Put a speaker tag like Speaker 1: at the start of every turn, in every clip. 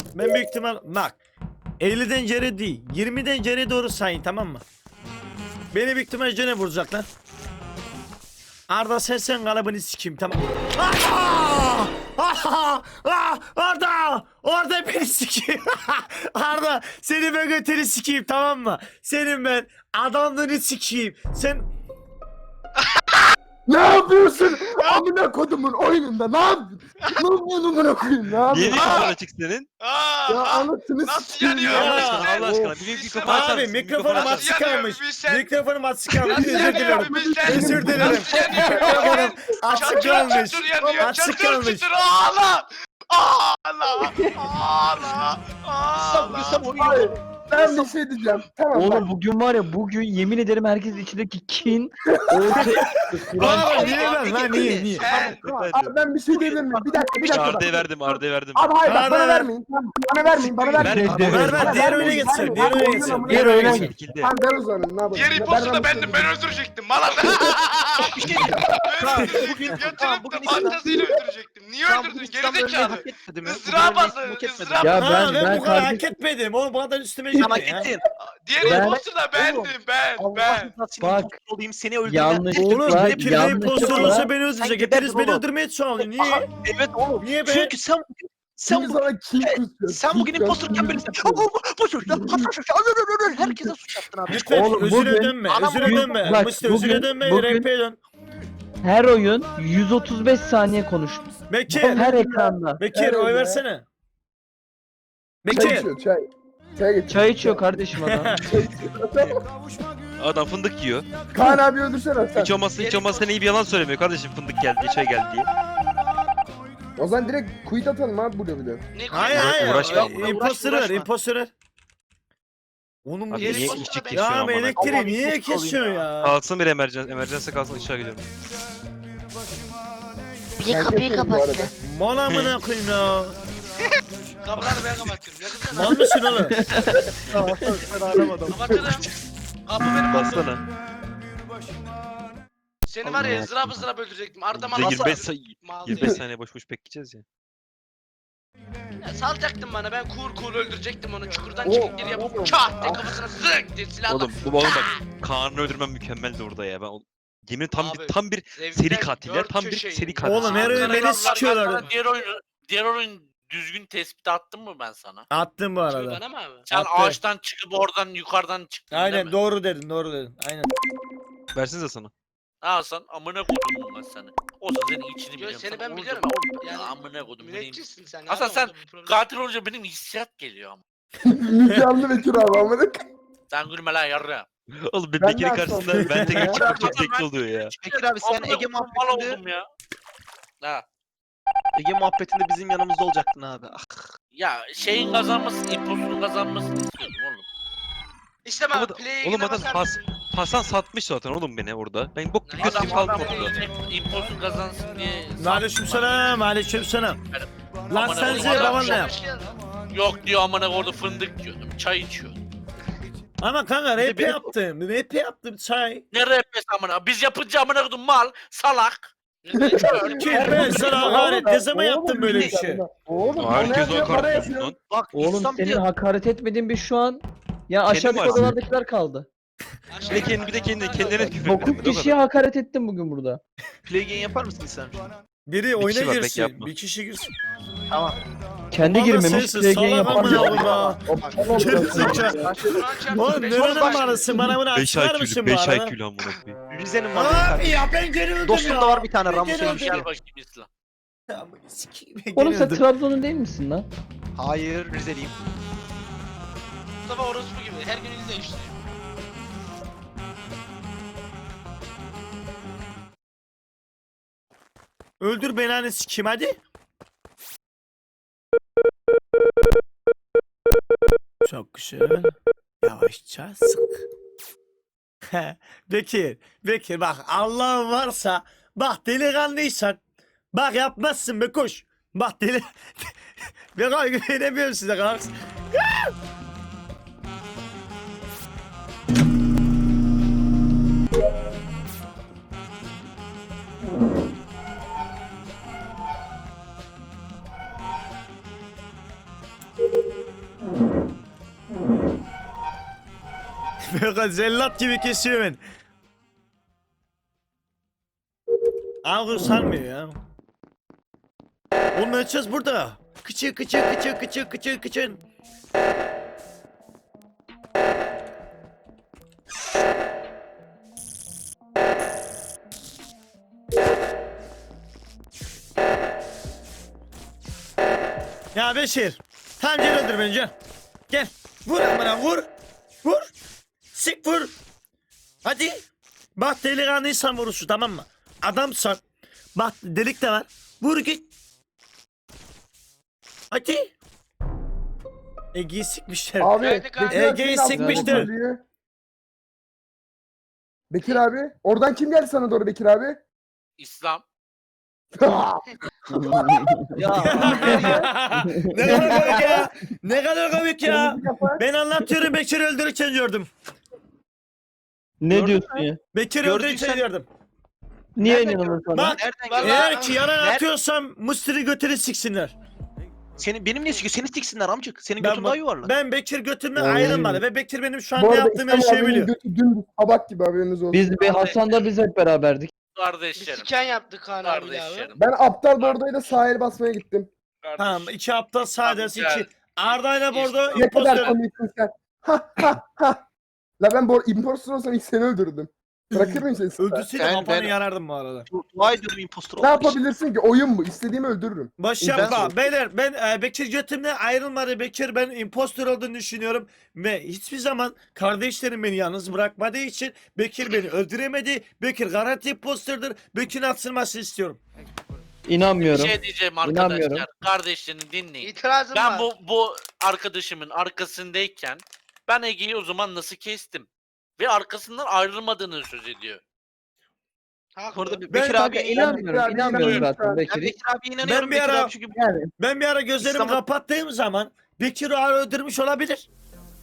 Speaker 1: Ben büyük ihtimal bak 50'den geri değil 20'den geri doğru sayın, tamam mı? Beni büyük ihtimal gene vuracaklar. Arda sen kalıbını sikeyim, tamam. Arda beni sikeyim. Arda seni ben götünü sikeyim, tamam mı? Senin ben adamlığını sikeyim. Sen
Speaker 2: Ne yapıyorsun? Amına kodumun oyununda ne yapıyorsun? Ne yapıyorsun amına koyayım? Ne
Speaker 3: Niye
Speaker 2: yapıyorsun?
Speaker 3: mikrofonun açık senin?
Speaker 2: Ya anasını
Speaker 4: Nasıl
Speaker 2: sikeyim
Speaker 4: yanıyor?
Speaker 2: ya.
Speaker 3: Allah aşkına,
Speaker 4: sen-
Speaker 3: Allah aşkına. Bir mikrofon açar
Speaker 1: abi
Speaker 3: mısın?
Speaker 1: mikrofonum
Speaker 3: Mikrofonu
Speaker 1: açık
Speaker 4: Nasıl yanıyor?
Speaker 1: kalmış.
Speaker 4: Bir sen-
Speaker 1: Mikrofonum açık kalmış.
Speaker 4: Nasıl
Speaker 1: Özür
Speaker 4: yanıyor?
Speaker 1: dilerim.
Speaker 4: Bir sen-
Speaker 1: Özür dilerim.
Speaker 4: Nasıl yanıyor?
Speaker 1: Mikrofonum açık
Speaker 4: Çatır
Speaker 1: kalmış.
Speaker 4: çatır yanıyor.
Speaker 1: Açık
Speaker 4: Çatır
Speaker 1: kalmış.
Speaker 4: çatır ağla. Ağla. Ağla. Ağla.
Speaker 2: Hayır. Ben bir şey diyeceğim. Tamam bak.
Speaker 5: Oğlum bugün var ya, bugün yemin ederim herkes içindeki kin ortaya
Speaker 1: Abi niye ben lan niye?
Speaker 4: Sen
Speaker 2: Abi ben bir şey diyebilir miyim? Bir dakika bak.
Speaker 3: Arda'ya verdim, Arda'ya verdim.
Speaker 2: Abi hayır bak
Speaker 1: Abi.
Speaker 2: bana vermeyin. Tamam, bana vermeyin. Bana vermeyin.
Speaker 1: Ver diğer oyuna geçsin. Diğer oyuna geçsin. Diğer oyuna geçsin.
Speaker 3: Şekilde.
Speaker 2: Tamam ben o zaman ne yapayım?
Speaker 4: diğer impostu da bendim. Ben öldürecektim. Malan.
Speaker 6: Bir şey diyeceğim. Bugün
Speaker 4: Yatırıp da fantazıyla öldürecektim. Niye öldürdün? Gerizekalı.
Speaker 6: hak etmedi mi?
Speaker 4: Izdırap
Speaker 6: Bugün
Speaker 4: azı.
Speaker 6: hak etmedi.
Speaker 4: Izdırap.
Speaker 5: Ya
Speaker 1: Ha, ben bu kadar hak
Speaker 5: kardeşim-
Speaker 1: etmedim. Oğlum bu kadar üstüme
Speaker 6: Sen hak
Speaker 1: gitti ya.
Speaker 6: ettin.
Speaker 4: Diğer
Speaker 5: Ben-
Speaker 4: impostu da bendim. Ben.
Speaker 6: Allah rızası
Speaker 5: Bak.
Speaker 6: için olayım seni öldürmem.
Speaker 1: Oğlum
Speaker 5: Yanlışlıkla,
Speaker 1: Bekir Bey impostor olsa beni öldürecek.
Speaker 6: Sen
Speaker 1: Hepiniz
Speaker 6: geberdin
Speaker 1: beni
Speaker 6: oğlum.
Speaker 1: öldürmeye çalışıyor. Niye?
Speaker 6: Evet oğlum.
Speaker 1: Niye be?
Speaker 6: Çünkü sen
Speaker 2: Sen
Speaker 6: bugün
Speaker 2: sana kim kusuyor?
Speaker 6: sen bugün impostorken böyle boş ver lan. Herkese suç attın abi.
Speaker 1: Lütfen
Speaker 5: Oğlum,
Speaker 1: özüre
Speaker 5: bugün-
Speaker 1: dönme.
Speaker 6: Anam
Speaker 1: Özüre
Speaker 6: bugün-
Speaker 1: dönme.
Speaker 5: bak,
Speaker 1: Musti özüre
Speaker 5: bugün-
Speaker 1: dönme.
Speaker 5: bugün-
Speaker 1: RP'ye dön.
Speaker 5: her oyun 135 saniye konuş.
Speaker 1: Bekir.
Speaker 5: Her ekranda.
Speaker 1: Bekir
Speaker 2: Evet
Speaker 1: oy
Speaker 2: ya.
Speaker 1: versene.
Speaker 2: Çay
Speaker 1: Bekir.
Speaker 2: içiyor çay. Çay getir.
Speaker 5: Çay içiyor kardeşim adam.
Speaker 3: Adam fındık yiyor.
Speaker 2: Kaan abi öldürsene sen.
Speaker 3: Hiç olmazsa iyi bir yalan söylemiyor kardeşim, fındık geldi, çay geldi diye.
Speaker 2: O zaman direkt quit atalım abi burada bir de.
Speaker 4: Ne
Speaker 1: Hayır
Speaker 4: koyuyorsun?
Speaker 1: hayır.
Speaker 3: Uğraşma.
Speaker 1: İmposter ver.
Speaker 6: Uğraşma.
Speaker 1: Imposter ver. Onun bu
Speaker 3: Abi
Speaker 4: Diğer
Speaker 3: niye
Speaker 4: imposter
Speaker 3: işçi
Speaker 4: da
Speaker 3: kesiyor
Speaker 1: ya
Speaker 3: amına?
Speaker 1: elektriği niye kesiyor ya?
Speaker 3: Kalsın bir emerjansa kalsın, ışığa gidiyorum.
Speaker 7: Bir
Speaker 2: Ben
Speaker 7: kapıyı
Speaker 2: keserim bu arada.
Speaker 7: kapattı.
Speaker 1: Mal amına koyayım ya.
Speaker 4: Kapıları ben kapatıyorum. Yakın
Speaker 1: Mal mısın oğlum?
Speaker 4: kapatırım. Kapı benim olsun.
Speaker 3: Bassana.
Speaker 4: Seni var ya ızdırap ızdırap öldürecektim. Arda'ma
Speaker 3: Bize
Speaker 4: nasıl...
Speaker 3: 25 25 saniye boş boş bekleyeceğiz ya.
Speaker 4: Ya salacaktın bana, ben cool öldürecektim onu, çukurdan
Speaker 2: Oo,
Speaker 4: çıkıp geri yapıp
Speaker 2: oğlum.
Speaker 4: çat diye kafasına zık diye silahla.
Speaker 3: Oğlum bak Kaan'ı öldürmem mükemmeldi orada ya. Ben yemin
Speaker 4: Abi,
Speaker 3: tam bir
Speaker 4: zevkten
Speaker 3: seri katiller,
Speaker 4: dört
Speaker 3: tam bir
Speaker 4: köşeyim.
Speaker 3: seri katil.
Speaker 1: Oğlum her oyun beni sikiyorlar.
Speaker 8: Diğer oyun düzgün tespit attım mı ben sana?
Speaker 1: Attım bu
Speaker 4: Kimi,
Speaker 1: arada.
Speaker 4: bana mı abi?
Speaker 8: Sen
Speaker 1: Attı.
Speaker 8: ağaçtan çıkıp oradan yukarıdan çıktın değil
Speaker 1: Aynen
Speaker 8: mi?
Speaker 1: doğru dedin Aynen.
Speaker 3: Versinize sana.
Speaker 8: Ha sen amına kodum ben seni. Olsa senin içini
Speaker 4: Yo,
Speaker 8: biliyorum.
Speaker 4: seni
Speaker 8: Sen
Speaker 4: ben
Speaker 8: oğlum,
Speaker 4: biliyorum.
Speaker 8: oğlum
Speaker 4: Yani
Speaker 8: ya amına kodum benim.
Speaker 4: Müneccitsin sen.
Speaker 8: Hasan
Speaker 4: abi,
Speaker 8: sen
Speaker 4: orada bir problem.
Speaker 8: katil olunca benim hissiyat geliyor ama.
Speaker 2: Müge Anlı Bekir abi amına.
Speaker 8: Sen gülme lan yarra.
Speaker 3: Oğlum
Speaker 2: Ben
Speaker 3: Bekir'in
Speaker 2: de
Speaker 3: karşısında
Speaker 2: aslında-
Speaker 3: ben tek
Speaker 2: Ya.
Speaker 3: çıkmak çok zevkli oluyor ya.
Speaker 6: Bekir abi sen
Speaker 8: Amına
Speaker 6: Ege
Speaker 8: kodum, mal
Speaker 6: muhabbetinde
Speaker 8: oldum ya. Ha.
Speaker 6: Ege muhabbetinde bizim yanımızda olacaktın abi. Ah.
Speaker 8: Ya şeyin kazanmasını, imposunun kazanmasını istiyordum oğlum.
Speaker 4: İşte ben
Speaker 3: Oğlum,
Speaker 4: play'e
Speaker 3: oğlum
Speaker 4: gidemem
Speaker 3: adam
Speaker 4: sen-
Speaker 3: Hasan satmış zaten oğlum beni orada. Ben bok gibi
Speaker 4: Adam-
Speaker 3: götüm kaldım
Speaker 4: adam-
Speaker 3: orada.
Speaker 8: İmposun kazansın diye.
Speaker 1: Aleykümselam. Aleykümselam. Lan
Speaker 8: Amına
Speaker 1: sen
Speaker 8: kodum,
Speaker 1: baban ne yap?
Speaker 8: Yok diyor amına orada fındık diyordum. Çay içiyordum.
Speaker 1: Ama kanka
Speaker 3: Bir de
Speaker 1: rap
Speaker 3: benim-
Speaker 1: yaptım. Rap yaptım çay.
Speaker 8: Ne rapes amına? Biz yapınca amına kodum mal, salak.
Speaker 1: Ki ben sana hakaret ne zaman yaptım böyle bir şey?
Speaker 2: Oğlum
Speaker 3: Herkes
Speaker 2: bana
Speaker 3: o
Speaker 2: para
Speaker 3: kartı
Speaker 2: yapıyor.
Speaker 3: lan.
Speaker 6: Bak
Speaker 5: Oğlum
Speaker 6: İslam
Speaker 5: senin
Speaker 6: diyor.
Speaker 5: hakaret etmediğin bir şu an. Ya aşağıdaki
Speaker 3: varsın.
Speaker 5: odalardakiler kaldı.
Speaker 3: Bir de kendilerine küfür
Speaker 5: 9
Speaker 3: ettim.
Speaker 5: kişiye hakaret ettim bugün burada.
Speaker 6: Play game yapar mısın İslam?
Speaker 1: Biri oyuna
Speaker 3: kişi var, pek
Speaker 1: girsin.
Speaker 3: yapma.
Speaker 1: Bir kişi girsin.
Speaker 6: Tamam.
Speaker 5: Kendi
Speaker 1: Bana
Speaker 5: girmemiş.
Speaker 1: sensin,
Speaker 5: Play game
Speaker 1: salak
Speaker 5: yapar
Speaker 1: amına
Speaker 5: mı?
Speaker 1: koyayım ya. Gerizekalı. Oğlum nerenin manası? Bana bunu
Speaker 3: 5
Speaker 1: açıklar
Speaker 3: IQ'lü
Speaker 1: mısın
Speaker 3: 5
Speaker 1: bu arada?
Speaker 3: IQ'lü amına koyayım.
Speaker 6: Rize'nin var bir
Speaker 1: Abi
Speaker 6: tane.
Speaker 1: ya ben geri öldüm
Speaker 6: Dostum
Speaker 1: ya.
Speaker 6: da var bir tane
Speaker 1: Ben
Speaker 6: Ramus
Speaker 1: geri
Speaker 6: Ölmüş.
Speaker 1: öldüm.
Speaker 8: Gel bakayım İslam.
Speaker 1: Amına sikeyim, ben
Speaker 5: Oğlum
Speaker 1: geri
Speaker 5: sen
Speaker 1: öldüm.
Speaker 5: Trabzon'un değil misin lan?
Speaker 6: Hayır Rizeliyim.
Speaker 4: Mustafa orospu gibi her gün il değiştiriyor.
Speaker 1: Öldür beni hani sikeyim hadi. Çok güzel. Yavaşça sık. Bekir bak Allah'ın varsa bak delikanlıysan bak yapmazsın be koş. Bak deli ben güvenemiyorum size kanka. Böyle zellat gibi kesiyor beni. Ağır sanmıyor ya. Onu açacağız burada. Kıçı kıçı kıçı kıçı kıçı kıçın. Ya Beşir. Tamam gel öldür beni gel. Gel. Vur amına vur. Vur. Sik vur. Hadi. Bak delikanlıysan vurursun tamam mı? Adamsan. Bak delik de var. Vur git. Hadi. Ege'yi sikmişler.
Speaker 2: Abi
Speaker 4: Geldik abi.
Speaker 2: Bekir abi
Speaker 1: Ege'yi
Speaker 2: senin
Speaker 1: sikmiştir.
Speaker 2: altından geliyor. Bekir abi. Oradan kim geldi sana doğru Bekir abi?
Speaker 8: İslam.
Speaker 5: Ya
Speaker 1: Ne kadar komik ya. Ne kadar komik ya. Ben anlatıyorum Bekir'i öldürürken gördüm.
Speaker 5: ne diyorsun ya?
Speaker 1: Bekir'i
Speaker 6: Gördüysen-
Speaker 1: öldürürken gördüm.
Speaker 5: Niye
Speaker 4: Nereden
Speaker 5: inanılır sana?
Speaker 1: Bak
Speaker 6: Nereden
Speaker 4: Vallahi-
Speaker 6: geldi?
Speaker 1: eğer ki yalan atıyorsam Mısır'ı götürü siksinler.
Speaker 6: Benim ne sikiyor? Seni siksinler amcık. Senin
Speaker 1: Ben
Speaker 6: götün daha yuvarlak.
Speaker 1: Ben Bekir götümden
Speaker 5: Oy.
Speaker 1: ayrılmadı ve Bekir benim şu
Speaker 2: Bu
Speaker 1: anda
Speaker 2: arada
Speaker 1: yaptığım her
Speaker 2: İslam
Speaker 1: şeyi
Speaker 2: abinin
Speaker 1: biliyor.
Speaker 2: götü dümdüz tabak gibi haberiniz olsun.
Speaker 5: Biz bir Hasan'da biz hep beraberdik.
Speaker 4: Bir
Speaker 8: Kardeşlerim.
Speaker 4: siken yaptık Kaan abiyle abi.
Speaker 8: Kardeşlerim.
Speaker 2: Ben aptal bordayla sahil basmaya gittim.
Speaker 1: Tamam iki aptal sadece
Speaker 8: Tamam,
Speaker 1: iki. Arda'yla Bordo
Speaker 2: Ne kadar
Speaker 1: imposter.
Speaker 2: komiksin sen. Ha ha ha. La ben impostor olsam ilk seni öldürdüm. Bırakır mıyım seni?
Speaker 1: Öldürseydim
Speaker 6: Ben-
Speaker 1: kafanı
Speaker 6: ben-
Speaker 1: yarardım bu arada.
Speaker 6: Dua ediyorum impostor
Speaker 2: Ne
Speaker 6: olmak için.
Speaker 2: yapabilirsin ki? Oyun bu. İstediğimi öldürürüm.
Speaker 1: Boş
Speaker 6: Ben-
Speaker 1: yapma. Beyler ben Bekir götümden ayrılmadı. Bekir ben imposter olduğunu düşünüyorum. Ve hiçbir zaman kardeşlerim beni yalnız bırakmadığı için Bekir beni öldüremedi. Bekir garanti imposterdır. Bekir'in atılmasını istiyorum.
Speaker 8: Bir
Speaker 5: İnanmıyorum.
Speaker 8: şey diyeceğim
Speaker 5: İnanmıyorum.
Speaker 8: arkadaşlar. Kardeşlerini dinleyin.
Speaker 4: İtirazım
Speaker 8: Ben
Speaker 4: var.
Speaker 8: bu arkadaşımın arkasındayken ben Ege'yi o zaman nasıl kestim? Ve arkasından ayrılmadığını söz ediyor.
Speaker 4: Haklı.
Speaker 6: Bu arada
Speaker 1: Ben
Speaker 6: Bekir
Speaker 5: Kanka
Speaker 6: abi
Speaker 5: inanmıyorum. İnanmıyorum zaten
Speaker 6: Ben
Speaker 5: Bekir'e.
Speaker 6: Bekir abi inanıyorum.
Speaker 1: bir
Speaker 6: Bekir
Speaker 1: ara-
Speaker 6: abi çünkü
Speaker 2: Yani.
Speaker 1: Ben bir ara gözlerimi
Speaker 6: İslam'a-
Speaker 1: kapattığım zaman Bekir'i öldürmüş olabilir.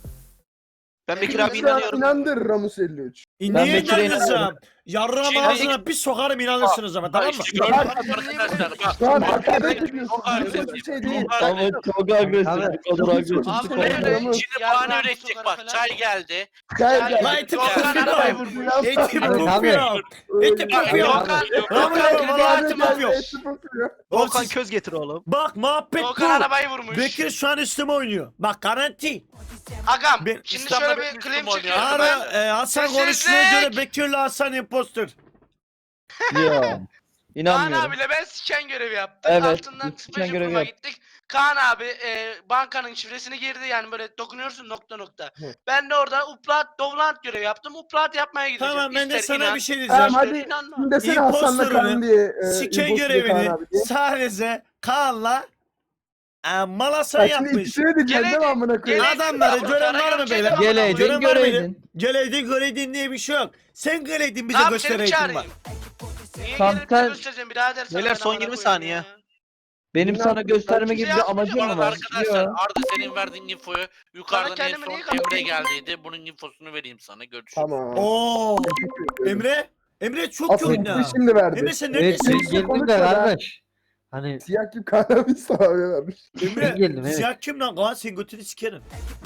Speaker 6: ben Bekir
Speaker 4: Ben
Speaker 6: abi
Speaker 2: Mesela
Speaker 6: inanıyorum.
Speaker 2: inandır Ramus 53.
Speaker 1: Niye
Speaker 5: Bekir'e
Speaker 1: inanırsam? Yarrağım
Speaker 8: Şey-
Speaker 1: ağzına bir sokarım inanırsınız ama tamam mı?
Speaker 8: İşte gördünüz mü arkadaşlar? Bak,
Speaker 2: Şu an
Speaker 8: bak,
Speaker 2: hakaret
Speaker 8: bak,
Speaker 2: ediyorsun.
Speaker 8: çok
Speaker 2: Bu
Speaker 8: agresif,
Speaker 2: bir şey değil.
Speaker 8: çok
Speaker 5: Ama
Speaker 8: agresif.
Speaker 5: çok agresif.
Speaker 2: Abi,
Speaker 5: Bu kadar agresif.
Speaker 2: çok
Speaker 4: Abi
Speaker 2: Çok
Speaker 4: ne
Speaker 2: agresif.
Speaker 4: öyle?
Speaker 2: Ramus.
Speaker 8: Şimdi
Speaker 4: Yarrağım
Speaker 8: bahane üretecek
Speaker 4: sokar
Speaker 8: bak.
Speaker 4: falan.
Speaker 8: Çay geldi.
Speaker 2: Gel gel.
Speaker 1: Lan eti
Speaker 4: Doğukan arabayı
Speaker 1: kopuyor.
Speaker 4: vurmuş.
Speaker 1: Eti
Speaker 2: Abi,
Speaker 1: kopuyor. Eti kopuyor.
Speaker 8: Doğukan-
Speaker 1: Tamam ya,
Speaker 4: Doğukan
Speaker 1: vallahi
Speaker 4: kredi
Speaker 1: eti
Speaker 4: atma.
Speaker 1: kopuyor.
Speaker 6: Volkan
Speaker 1: Siz-
Speaker 6: köz getir oğlum.
Speaker 1: Bak muhabbet
Speaker 4: Doğukan
Speaker 1: bu.
Speaker 4: arabayı vurmuş.
Speaker 1: Bekir şu an üstüme oynuyor. Bak garanti.
Speaker 4: Agam
Speaker 1: Ben-
Speaker 4: şimdi
Speaker 8: İslam'da
Speaker 4: şöyle
Speaker 8: benim
Speaker 4: bir claim
Speaker 8: Müslüman
Speaker 4: çekiyorum
Speaker 8: ya.
Speaker 4: ben.
Speaker 1: Ara Hasan
Speaker 4: Sessizlik!
Speaker 1: konuştuğuna göre Bekir'le Hasan impostor.
Speaker 5: Ya.
Speaker 4: Kaan
Speaker 5: İnanmıyorum.
Speaker 4: abiyle ben siken görevi yaptık.
Speaker 5: Evet,
Speaker 4: Altından
Speaker 5: siken
Speaker 4: special
Speaker 5: görevi
Speaker 4: proof'a
Speaker 5: yap.
Speaker 4: gittik. Kaan abi bankanın şifresini girdi yani böyle dokunuyorsun nokta nokta.
Speaker 2: Hı.
Speaker 4: Ben de orada upload dovlant görevi yaptım. Upload yapmaya gideceğim.
Speaker 1: Tamam ben de
Speaker 4: İster
Speaker 1: sana
Speaker 4: inan,
Speaker 1: bir şey
Speaker 2: Tamam
Speaker 1: diyeceğim.
Speaker 2: hadi.
Speaker 4: inanma.
Speaker 2: Şimdi desene Hasan'la
Speaker 1: İmpostorunu,
Speaker 2: Kaan diye.
Speaker 1: Siken
Speaker 2: impostor Kaan
Speaker 1: görevini
Speaker 2: abi diye.
Speaker 1: sadece Kaan'la Malasan
Speaker 2: Ha, şimdi
Speaker 1: yapmış.
Speaker 2: ikisini de diyeceksin değil mi
Speaker 4: Geledi,
Speaker 2: amına koyayım?
Speaker 4: geledi.
Speaker 1: Adamları
Speaker 4: Ya,
Speaker 1: gören var mı
Speaker 4: Karagöl
Speaker 1: beyler?
Speaker 4: çek-
Speaker 5: Geleydin
Speaker 1: Gören var mıydı?
Speaker 5: göreydin.
Speaker 1: Geleydin diye bir şey yok. Sen geleydin bize
Speaker 4: Tamam seni
Speaker 1: göstereydin bak.
Speaker 4: çağırayım. Niye
Speaker 5: Tamam,
Speaker 4: gelip de
Speaker 5: sen-
Speaker 4: göstereceğim birader sana
Speaker 6: Beyler,
Speaker 4: ben
Speaker 6: son
Speaker 4: amına
Speaker 6: 20
Speaker 4: koyayım
Speaker 6: saniye.
Speaker 4: ya.
Speaker 5: Benim sana gösterme gibi bir amacım
Speaker 8: Bu
Speaker 5: mı
Speaker 8: arada
Speaker 5: var?
Speaker 8: arkadaşlar
Speaker 5: Yok.
Speaker 8: Arda senin verdiğin infoyu yukarıdan en
Speaker 4: kendimi
Speaker 8: son
Speaker 4: niye
Speaker 8: Emre
Speaker 4: kapatayım?
Speaker 8: geldiydi. Bunun infosunu vereyim sana. Görüşürüz.
Speaker 2: Tamam.
Speaker 1: Oo. Emre. Emre çok
Speaker 2: Asıl
Speaker 1: oyunda.
Speaker 2: bu şimdi verdi.
Speaker 1: Emre sen
Speaker 7: Evet
Speaker 1: neredesin?
Speaker 7: ben geldim de kardeş. Hani
Speaker 2: Siyah kim Kaan abi sağ vermiş.
Speaker 1: Emre.
Speaker 7: geldim, evet.
Speaker 1: Siyah kim lan? Kaan sen götünü sikerim.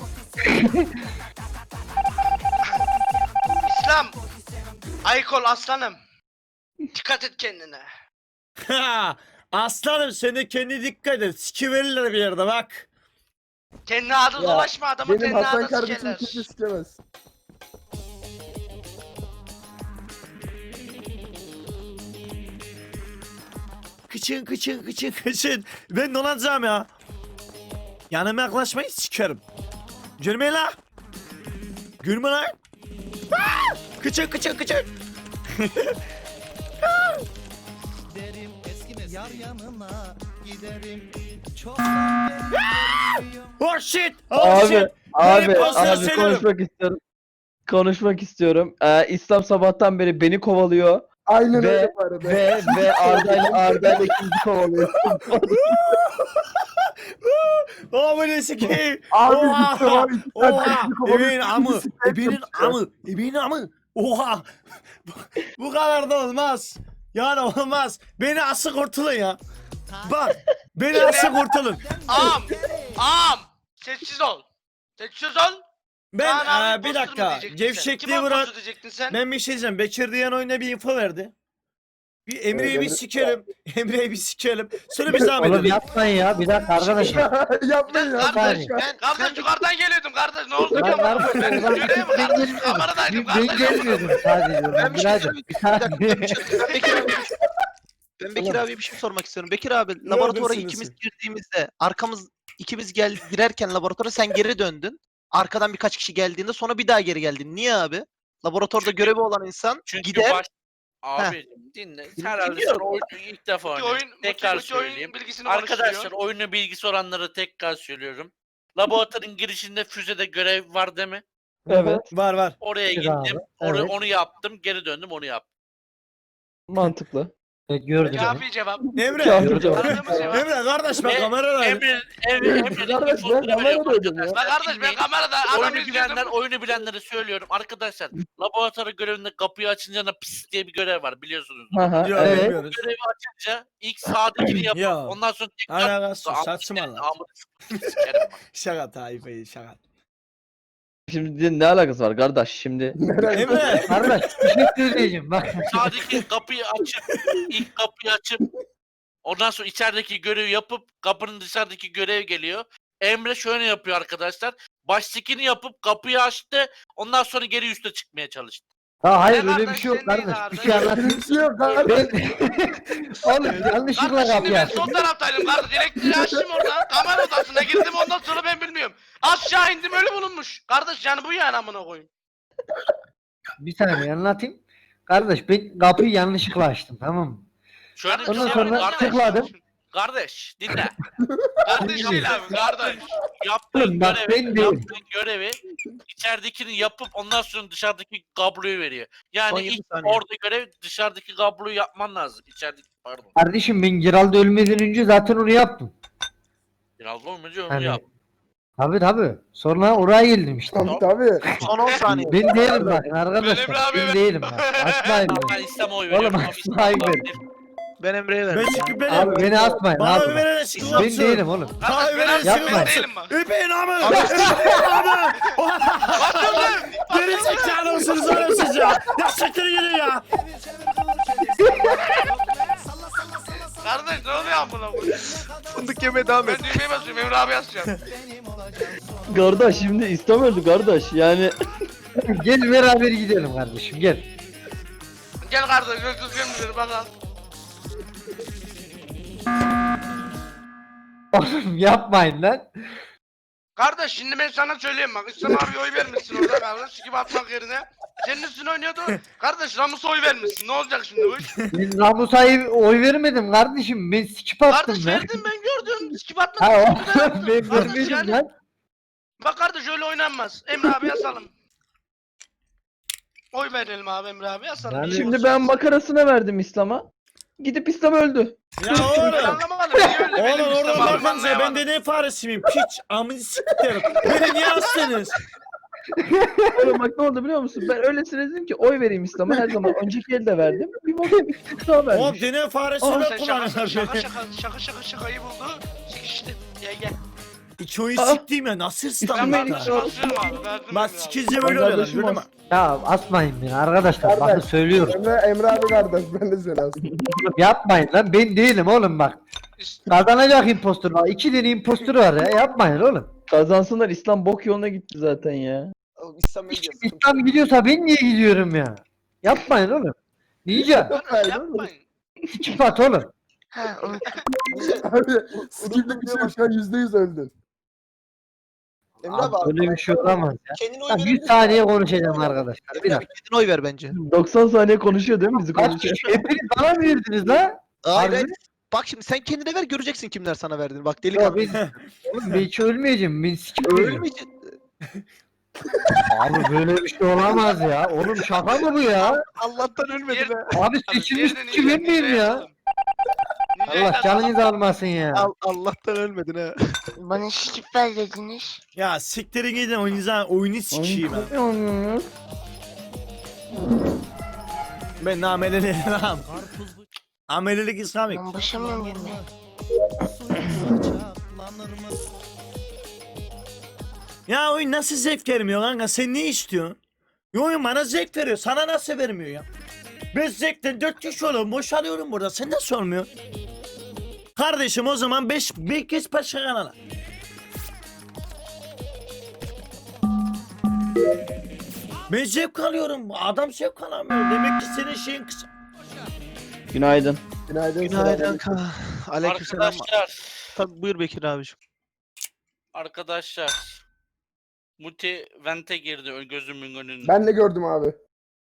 Speaker 4: İslam. Aykol aslanım. Dikkat et kendine.
Speaker 1: Ha, aslanım sen de kendine dikkat et. Sikiverirler bir yerde bak.
Speaker 4: Kendi adı
Speaker 2: Ya,
Speaker 4: dolaşma adamın
Speaker 2: Benim
Speaker 4: kendi
Speaker 2: Hasan
Speaker 4: adı
Speaker 2: kardeşim
Speaker 4: sikerler.
Speaker 2: kimse sikemez.
Speaker 1: Kıçın kıçın kıçın kıçın. Ben dolanacağım ya. Yanıma yaklaşmayı sikerim. Gülme la. Gülme lan. Aa! Kıçın kıçın kıçın. Oh shit. Oh
Speaker 5: Abi,
Speaker 1: shit.
Speaker 5: Abi,
Speaker 1: Benim posteri
Speaker 5: abi
Speaker 1: söylüyorum.
Speaker 5: konuşmak istiyorum. Konuşmak istiyorum. İslam sabahtan beri beni kovalıyor
Speaker 2: Aynen
Speaker 5: Ve-
Speaker 2: öyle bu arada.
Speaker 5: ve Arda'yla ikinci kovalıyor.
Speaker 1: Oh bu ne sikeyim.
Speaker 2: Abi
Speaker 1: Oha!
Speaker 2: gitti var. iki tane
Speaker 1: Oha!
Speaker 2: teknik olarak
Speaker 1: Ebeğin amı!
Speaker 2: ikisi tek
Speaker 1: Ebeğin
Speaker 2: yapıyor.
Speaker 1: amı! Ebeğin amı! Oha! Bu kadar da olmaz. Yani olmaz. Beni asıl kurtulun ya. Bak. Beni asıl kurtulun.
Speaker 4: Am. Am. Sessiz ol. Sessiz ol.
Speaker 1: Ben
Speaker 4: Kaan abi
Speaker 1: bir
Speaker 4: imposter mı
Speaker 1: dakika.
Speaker 4: diyecektin sen?
Speaker 1: Gevşekliği
Speaker 4: Kim
Speaker 1: bırak.
Speaker 4: imposter diyecektin sen?
Speaker 1: Ben bir şey diyeceğim. Bekir diyen oyuna bir info verdi. Bir Emre'yi bir
Speaker 2: Emre-
Speaker 1: sikelim. Emre'yi bir sikelim. Sonra biz devam
Speaker 7: Oğlum
Speaker 1: edelim.
Speaker 7: yapmayın ya. Bir dakika arkadaşlar.
Speaker 2: Yapmayın ya.
Speaker 4: Kardeş,
Speaker 7: saniye.
Speaker 4: kardeş yukarıdan geliyordum kardeş ne oldu
Speaker 7: Lan
Speaker 4: ki?
Speaker 7: kardeş,
Speaker 4: Ben
Speaker 7: oradan
Speaker 4: göreyim mi
Speaker 7: ben
Speaker 4: kardeş?
Speaker 7: gelmiyordum.
Speaker 4: Kameradaydım
Speaker 7: Ben
Speaker 4: kardeş.
Speaker 7: gelmiyordum sadece.
Speaker 6: Ben bir şey
Speaker 7: Birader,
Speaker 6: söyleyeyim.
Speaker 7: bir
Speaker 6: Bir dakika,
Speaker 7: saniye.
Speaker 6: ben bir şey- ben Bekir abi, ben Bekir abiye bir şey sormak istiyorum. Bekir abi laboratuvara
Speaker 1: Neredesiniz
Speaker 6: ikimiz
Speaker 1: siz?
Speaker 6: girdiğimizde ikimiz girerken laboratuvara sen geri döndün. Arkadan birkaç kişi geldiğinde sonra bir daha geri geldin. Niye abi? Laboratuvarda görevi olan insan
Speaker 8: Çünkü
Speaker 6: gider.
Speaker 8: Abi dinle. Herhalde sen
Speaker 6: Dinliyorum.
Speaker 8: oyunu ilk defa
Speaker 4: İki
Speaker 8: oynuyorsun.
Speaker 4: oyun,
Speaker 8: Tekrar
Speaker 4: iki oyun
Speaker 8: söyleyeyim.
Speaker 4: bilgisini
Speaker 8: Arkadaşlar
Speaker 4: konuşturuyor.
Speaker 8: oyunu bilgisi olanlara tekrar söylüyorum. Laboratuvarın girişinde füzede görev var değil mi?
Speaker 5: Evet.
Speaker 1: Var var.
Speaker 8: Oraya
Speaker 7: Evet
Speaker 8: gittim.
Speaker 7: abi, evet.
Speaker 8: Onu yaptım. Geri döndüm onu yaptım.
Speaker 5: Mantıklı.
Speaker 7: Evet, gördüm.
Speaker 4: Kafi cevap.
Speaker 1: Emre.
Speaker 5: Kafi cevap.
Speaker 4: Aradığımız cevap.
Speaker 1: Emre kardeş bak
Speaker 8: Ve
Speaker 1: kameradayım.
Speaker 8: Emre'nin
Speaker 5: Kardeş,
Speaker 8: infoları
Speaker 5: ben kamerada
Speaker 8: veriyorum
Speaker 5: öldüm ya.
Speaker 8: arkadaşlar.
Speaker 4: Bak kardeş ben
Speaker 8: Dinleyin.
Speaker 4: kamerada adam
Speaker 8: Oyunu bilenler,
Speaker 4: izliyordum.
Speaker 8: oyunu bilenlere söylüyorum. Arkadaşlar laboratuvar görevinde kapıyı açınca da pis diye bir görev var biliyorsunuz.
Speaker 5: Aha,
Speaker 1: Yok
Speaker 5: evet.
Speaker 1: bilmiyoruz.
Speaker 8: Görevi açınca ilk sağdakini yapıp
Speaker 1: Ya.
Speaker 8: ondan sonra tekrar
Speaker 1: Alakası yok,
Speaker 8: Amına
Speaker 1: saçma lan.
Speaker 8: amına sikerim bak.
Speaker 1: Şaka Tayyip'e şaka.
Speaker 5: Şimdi ne alakası var kardeş şimdi?
Speaker 1: Emre.
Speaker 7: Kardeş bir şey söyleyeceğim bak.
Speaker 8: Sağdaki kapıyı açıp ilk kapıyı açıp ondan sonra içerideki görevi yapıp kapının dışarıdaki görev geliyor. Emre şöyle yapıyor arkadaşlar. Baştakini yapıp kapıyı açtı. Ondan sonra geri üste çıkmaya çalıştı.
Speaker 7: Ha hayır
Speaker 4: Ne
Speaker 7: öyle bir
Speaker 4: kardeş,
Speaker 7: şey yok
Speaker 4: sen neyin
Speaker 7: kardeş. Bir
Speaker 4: kardeş?
Speaker 7: şey anlatayım.
Speaker 2: Bir şey yok kardeş.
Speaker 7: Ben... Oğlum yanlışlıkla
Speaker 4: Kardeş şimdi
Speaker 7: kapıyı
Speaker 4: ben
Speaker 7: açtım.
Speaker 4: sol taraftaydım kardeş. Elektriği açtım orada. Kamera odasına girdim ondan sonra ben bilmiyorum. Aşağı indim ölü bulunmuş. Kardeş yani bu yani amına koyayım.
Speaker 7: Bir saniye anlatayım. Kardeş ben kapıyı yanlışlıkla açtım tamam mı?
Speaker 8: Şöyle bir
Speaker 7: Ondan
Speaker 8: şey
Speaker 7: sonra
Speaker 8: var kardeş.
Speaker 7: tıkladım.
Speaker 8: Kardeş dinle.
Speaker 4: Kardeş değil abi kardeş.
Speaker 8: Yaptığın
Speaker 7: Oğlum bak, ben
Speaker 8: görevi,
Speaker 7: değilim.
Speaker 8: yaptığın görevi içeridekini yapıp ondan sonra dışarıdaki kabloyu veriyor. Yani
Speaker 6: Son 20
Speaker 8: ilk
Speaker 6: saniye.
Speaker 8: orada görev dışarıdaki kabloyu yapman lazım. İçerideki pardon.
Speaker 7: Kardeşim ben Giral'da ölmeden önce zaten onu yaptım.
Speaker 8: Biraz olmayınca onu
Speaker 7: Hani-
Speaker 8: yap.
Speaker 7: Tabii. Sonra oraya geldim işte.
Speaker 2: Tabii.
Speaker 6: Son 10 saniye.
Speaker 7: Ben değilim bakın
Speaker 4: Ben
Speaker 7: arkadaşlar.
Speaker 4: Emre abi
Speaker 7: Ben
Speaker 4: evet.
Speaker 7: değilim bak. Asmayın
Speaker 8: Ben
Speaker 7: beni.
Speaker 8: İslam'a oy
Speaker 7: Oğlum,
Speaker 8: veriyorum. ama
Speaker 7: asla
Speaker 8: İslam
Speaker 7: hayır.
Speaker 8: olabilir.
Speaker 6: Ben Emre'ye
Speaker 1: Ben
Speaker 6: verdim.
Speaker 1: çıkıp benim.
Speaker 7: Abi beni asmayın
Speaker 1: Bana
Speaker 7: abi.
Speaker 1: oy verene sıkıntı
Speaker 7: Ben değilim oğlum.
Speaker 4: Kardeş ben
Speaker 1: Yapma.
Speaker 4: abi ben değilim bak.
Speaker 1: Öpeyin ama. Öpeyin ama.
Speaker 4: Atıldım.
Speaker 1: Geri zekalı mısınız oğlum siz ya? Ya siktir gidin ya.
Speaker 4: Kardeş ne oluyor amına koyayım?
Speaker 6: Fındık yemeye devam
Speaker 4: Ben
Speaker 6: et.
Speaker 4: düğmeye basıyorum Emre abi yazacağım.
Speaker 5: Kardeş şimdi İslam öldü kardeş. Yani
Speaker 7: Gel beraber gidelim kardeşim gel.
Speaker 4: Gel kardeş gökyüzü gömüleri bakalım.
Speaker 7: Oğlum yapmayın lan.
Speaker 4: Kardeş şimdi ben sana söyleyeyim bak İslam abi oy vermişsin orada kardeş sikip atmak yerine. Senin üstüne oynuyordu. Kardeş Ramus'a oy vermişsin ne olacak şimdi bu iş?
Speaker 7: Ben Ramus'a oy vermedim kardeşim. Ben sikip attım
Speaker 4: Kardeş
Speaker 7: lan.
Speaker 4: verdim ben gördüm sikip
Speaker 7: Ha
Speaker 4: atmadın.
Speaker 7: oğlum ben
Speaker 4: Kardeş
Speaker 7: vermedim
Speaker 4: yani.
Speaker 7: lan.
Speaker 4: Bak kardeş öyle oynanmaz. Emre abi yasalım. Oy verelim abi Emre abi yasalım.
Speaker 7: Yani-
Speaker 4: İyi
Speaker 5: şimdi
Speaker 4: olsun.
Speaker 5: ben makarasına verdim İslam'a. Gidip İslam öldü.
Speaker 1: Ya
Speaker 4: Ben
Speaker 1: oğlum.
Speaker 4: anlamadım. Niye öyle benim
Speaker 1: Oğlum
Speaker 4: İslam
Speaker 1: oradan
Speaker 4: abim
Speaker 1: bakınca ben
Speaker 4: anlayamadım.
Speaker 1: de ne faresi miyim? Piç amını siktirim. Beni niye astınız?
Speaker 5: Oğlum bak ne oldu biliyor musun? Ben öylesine dedim ki oy vereyim İslam'a her zaman. Önceki elde verdim. Bir bakayım İslam
Speaker 1: Oğlum
Speaker 5: vermiş.
Speaker 1: deney faresi
Speaker 4: Oğlum
Speaker 1: ben
Speaker 4: sen
Speaker 1: kullanıyorum.
Speaker 4: şakayı buldu. Sikişti. Gel.
Speaker 1: İki oyun
Speaker 5: Aa.
Speaker 1: siktiğim ya nasıl
Speaker 4: Ben
Speaker 1: İslam
Speaker 5: Benim
Speaker 1: bak.
Speaker 4: kardeşim asıyorum abi. Verdim
Speaker 1: Bak
Speaker 4: Emre abi.
Speaker 1: sikizce böyle oluyorlar
Speaker 5: Kardeşim
Speaker 1: gördün mü?
Speaker 5: olsun.
Speaker 7: Ya asmayın beni arkadaşlar. Bakın
Speaker 2: Kardeş.
Speaker 7: söylüyorum.
Speaker 2: Emre abi kardeş ben de seni astım.
Speaker 7: Yapmayın lan ben değilim oğlum bak. Kazanacak impostor var. 2 tane impostor var ya. Yapmayın oğlum.
Speaker 5: Kazansınlar İslam bok yoluna gitti zaten ya.
Speaker 7: İslam gidiyorsa ben niye gidiyorum ya? Yapmayın oğlum. Diyeceğim.
Speaker 4: Kardeş yapmayın.
Speaker 7: Sikip at oğlum.
Speaker 2: Abi skiplik bir şey yok şu an %100 öldün.
Speaker 7: Abi, öyle bir şey olamaz ya. Ben 100 saniye konuşacağım arkadaşlar. Bir dakika.
Speaker 6: Kendine oy ver bence.
Speaker 5: 90 saniye konuşuyor değil mi bizi
Speaker 7: Kaç
Speaker 5: konuşuyor?
Speaker 7: kişi? Hepiniz bana mı verdiniz la?
Speaker 6: Hayır,
Speaker 7: Harbi
Speaker 6: hayır.
Speaker 7: mi?
Speaker 6: Bak şimdi sen kendine ver göreceksin kimler sana verdiğini. Bak
Speaker 7: Ya
Speaker 6: delikanlı.
Speaker 7: ben, oğlum ben hiç ölmeyeceğim. Ben sikip öleceğim.
Speaker 6: Ölmeyeceksin.
Speaker 7: Abi böyle bir şey olamaz ya. Oğlum şaka mı bu ya?
Speaker 6: Allah'tan ölmedi
Speaker 4: Yer-
Speaker 6: be.
Speaker 7: Abi seçilmiş
Speaker 4: Yerden
Speaker 7: sikip ben miyim ya? Allah canınızı almasın ya.
Speaker 6: Allah'tan ölmedin ha.
Speaker 9: Bana sikip ver dediniz.
Speaker 1: Ya siktirin gidin oyunu sikeyim ben. Ben nameleli nam. Amelilik İslamik.
Speaker 9: Ben başamıyorum yemeğe.
Speaker 1: Ya oyun nasıl zevk vermiyor kanka? Sen ne istiyorsun? Ya oyun bana zevk veriyor. Sana nasıl vermiyor ya? Ben zevkten 4 kişi oluyorum. Boşalıyorum burada. Sen nasıl olmuyor? Kardeşim o zaman 5 kez başka kanala. Ben zevk alıyorum. Adam zevk alamıyor. Demek ki senin şeyin kısa.
Speaker 5: Günaydın.
Speaker 2: Günaydın.
Speaker 6: Günaydın
Speaker 2: selamünaleyküm.
Speaker 6: kanka. Aleykümselam.
Speaker 8: Arkadaşlar.
Speaker 6: Tabii buyur Bekir abiciğim.
Speaker 8: Arkadaşlar. Muti vente girdi gözümün önünde.
Speaker 2: Ben de gördüm abi.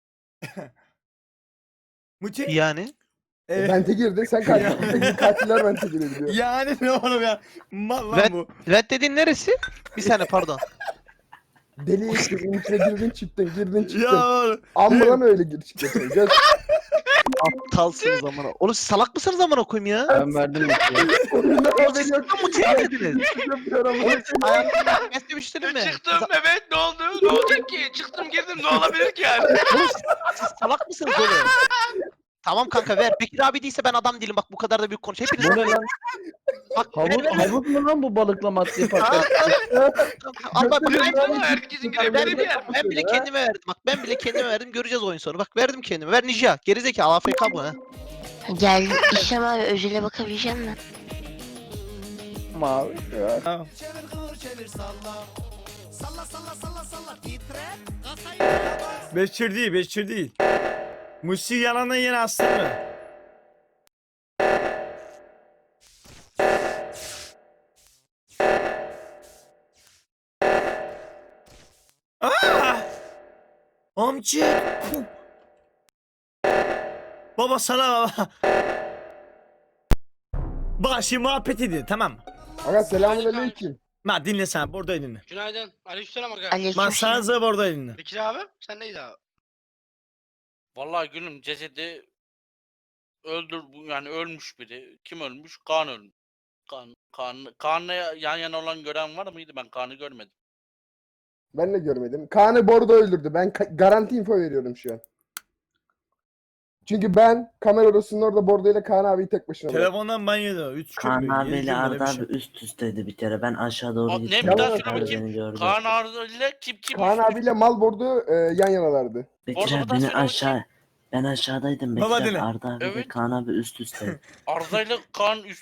Speaker 1: Muti.
Speaker 6: Yani?
Speaker 1: Evet.
Speaker 2: Vente girdi. Sen katiller vente girebiliyor.
Speaker 1: Yani ne oğlum ya? Mal lan
Speaker 6: Ben-
Speaker 1: bu.
Speaker 6: Red dediğin neresi? Bir saniye pardon.
Speaker 2: Deli işte. içine girdin çıktın. Girdin çıktın.
Speaker 1: Ya oğlum.
Speaker 2: Ambulan öyle gir çıktın. Göz.
Speaker 6: Aptalsınız amına. Oğlum siz salak mısınız amına koyayım ya?
Speaker 5: Ben verdim Muti'ye.
Speaker 2: Oyundan
Speaker 6: Oğlum
Speaker 2: haberi
Speaker 6: siz
Speaker 2: yok.
Speaker 6: tam Muti'ye girdiniz.
Speaker 2: Yapıyorum.
Speaker 6: Hayatımda ben demiştim mi?
Speaker 4: Çıktım evet ne oldu? Ne olacak ki? Çıktım girdim ne olabilir ki yani?
Speaker 6: Oğlum siz salak mısınız oğlum? Tamam kanka ver. Bekir abi değilse ben adam değilim. Bak bu kadar da büyük konuş. Hepiniz
Speaker 5: Bu ne lan?
Speaker 6: bak ver,
Speaker 5: Havuz,
Speaker 6: ver, ver.
Speaker 5: havuz mu lan bu balıklama atlı yaparken?
Speaker 6: Al bak
Speaker 2: Götürün
Speaker 4: Herkesin girebildiği bir yer.
Speaker 6: ben bile kendime verdim. Bak ben bile kendime verdim. Göreceğiz oyun sonu. Bak verdim kendime. Ver Ninja. Gerizekalı AFK bu ha.
Speaker 9: Gel İslam abi özele bakabilecek misin?
Speaker 5: Mavi.
Speaker 1: Beşir değil. Musi yalandan yine astırma. Aa! Amca. Baba sana baba. Bak şimdi muhabbet edin tamam mı?
Speaker 2: Aga selamünaleyküm.
Speaker 1: Ma dinle sen burada dinle.
Speaker 4: Günaydın. Aleykümselam aga.
Speaker 9: Aleyküm
Speaker 1: Ma
Speaker 9: selam.
Speaker 1: sana burada dinle.
Speaker 4: Bekir abi sen neydi abi?
Speaker 8: Vallahi gülüm cesedi yani ölmüş biri. Kim ölmüş? Kaan ölmüş. Kaan'la yan yana olan gören var mıydı? Ben Kaan'ı görmedim.
Speaker 2: Ben de görmedim. Kaan'ı Bordo öldürdü. Ben garanti info veriyorum şu an. Çünkü ben kamera odasının orada Bordo ile Kaan abiyi tek başına bıraktım.
Speaker 1: Telefondan banyoda 3
Speaker 10: Kaan abiyle Arda abi üst üsteydi bir kere. Ben aşağı doğru
Speaker 8: Ne,
Speaker 10: gittim.
Speaker 8: bir daha
Speaker 2: Yalan
Speaker 8: söyle
Speaker 2: abi.
Speaker 8: bakayım.
Speaker 10: Beni gördü.
Speaker 8: Kaan Arda ile kim
Speaker 2: Kaan abiyle Mal Bordo yan yanalardı.
Speaker 10: Bekir
Speaker 8: Orada
Speaker 10: abi
Speaker 8: bir daha
Speaker 10: beni
Speaker 8: söyle
Speaker 10: aşağı... Ben aşağıdaydım Bekir
Speaker 1: Baba
Speaker 10: abi.
Speaker 1: dinle.
Speaker 10: Arda abi
Speaker 8: Evet.
Speaker 10: ve Kaan abi üst üste.
Speaker 8: Arda ile Kaan üst...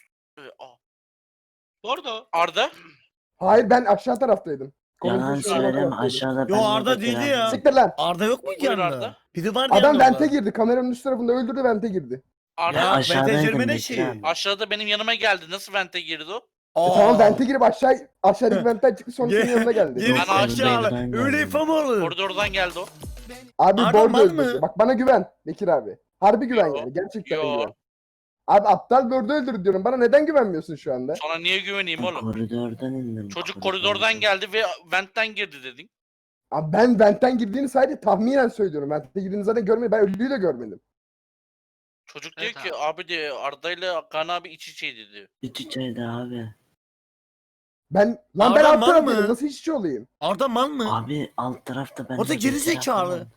Speaker 4: Orada.
Speaker 8: Arda?
Speaker 2: Hayır ben aşağı taraftaydım.
Speaker 10: Yalan
Speaker 2: Konuşmuşlar,
Speaker 10: söyleme
Speaker 2: taraftaydım.
Speaker 10: aşağıda
Speaker 1: Yo,
Speaker 10: ben de
Speaker 1: Arda
Speaker 10: Bekir
Speaker 1: değildi
Speaker 10: abi.
Speaker 1: ya.
Speaker 2: Siktir lan.
Speaker 1: Arda yok mu ki
Speaker 8: Buyur
Speaker 1: yanında?
Speaker 8: Arda.
Speaker 1: Biri vardı
Speaker 2: Adam
Speaker 1: yanında
Speaker 2: vente
Speaker 1: orada.
Speaker 2: girdi. Kameranın üst tarafında öldürdü vente girdi.
Speaker 8: Arda
Speaker 1: Ya
Speaker 10: aşağıdaydım
Speaker 1: vente girme ne
Speaker 10: Bekir
Speaker 1: şey?
Speaker 10: abi.
Speaker 8: aşağıda benim yanıma geldi. Nasıl vente girdi o?
Speaker 2: Tamam vente girip aşağıdaki ventten çıktı sonra senin yanına geldi.
Speaker 1: Geri
Speaker 8: Ben
Speaker 1: zekalı.
Speaker 10: aşağıdan
Speaker 1: Öyle
Speaker 10: geldim.
Speaker 1: ifam olur.
Speaker 8: Koridordan geldi o.
Speaker 2: Abi
Speaker 1: Arda
Speaker 2: Bordo
Speaker 1: mal
Speaker 2: öldürdü.
Speaker 1: mı?
Speaker 2: Bak bana güven Bekir abi. Harbi güven
Speaker 8: Yo,
Speaker 2: yani. Gerçekten
Speaker 8: yo.
Speaker 2: güven. Abi aptal Bordo öldürdü diyorum. Bana neden güvenmiyorsun şu anda?
Speaker 8: Sana niye güveneyim
Speaker 10: Ben
Speaker 8: oğlum?
Speaker 10: koridordan indim.
Speaker 8: Çocuk koridordan geldi ve ventten girdi dedin.
Speaker 2: Abi ben ventten girdiğini sadece tahminen söylüyorum. Vente girdiğini zaten görmedim. Ben ölüyü de görmedim.
Speaker 8: Çocuk diyor
Speaker 4: Evet
Speaker 8: ki abi diyor Arda ile Kaan abi iç içeydi diyor.
Speaker 10: İç içeydi abi.
Speaker 2: Ben
Speaker 1: Arda
Speaker 2: ben alt
Speaker 1: mal
Speaker 2: taraftayım.
Speaker 1: mı?
Speaker 2: Nasıl işçi olayım?
Speaker 1: Arda mal mı?
Speaker 10: Abi alt tarafta ben
Speaker 1: O da
Speaker 10: de
Speaker 1: geri
Speaker 10: Bekir
Speaker 1: zekalı.
Speaker 10: abim.